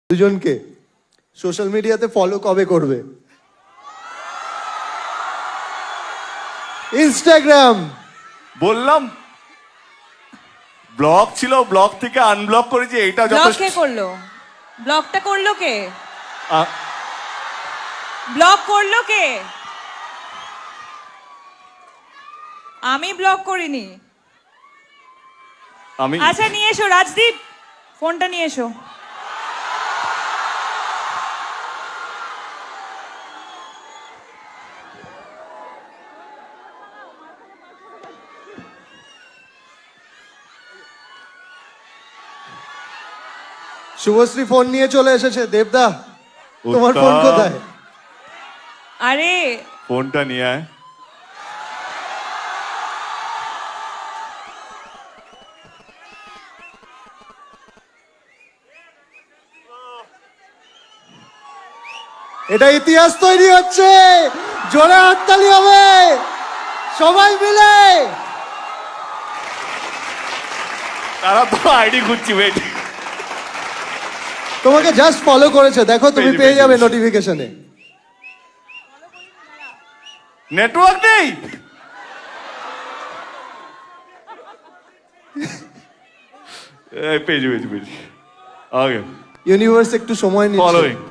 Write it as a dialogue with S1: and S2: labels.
S1: দুজনকে সোশ্যাল মিডিয়াতে ফলো কবে করবে? ইনস্টাগ্রাম
S2: বললাম ব্লক ছিল, ব্লক থেকে আনব্লক করেছি, এইটা
S3: ব্লক
S2: যথেষ্ট।
S3: কে করলো? ব্লকটা করলো কে?
S2: আ-
S3: ব্লক করলো কে? আমি ব্লক করিনি।
S2: আমি
S3: আচ্ছা নিয়ে এসো রাজদীপ, ফোনটা নিয়ে এসো।
S1: শুভশ্রী ফোন নিয়ে চলে এসেছে। দেবদা, তোমার
S2: উত্তম।
S1: ফোন কোথায়?
S3: আরে
S2: ফোনটা নিয়ে আয়।
S1: এটা ইতিহাস তৈরি হচ্ছে। জোরে হাততালি হবে সবাই মিলে।
S2: তারা তো আইডি খুঁজছি, ওয়েট।
S1: তোমাকে জাস্ট ফলো করেছে, দেখো তুমি পেয়ে যাবে নোটিফিকেশনে।
S2: নেটওয়ার্ক নেই। এই পেজ পেজ পেজ আগে
S1: ইউনিভার্স একটু সময় নিচ্ছে।
S2: ফলোইং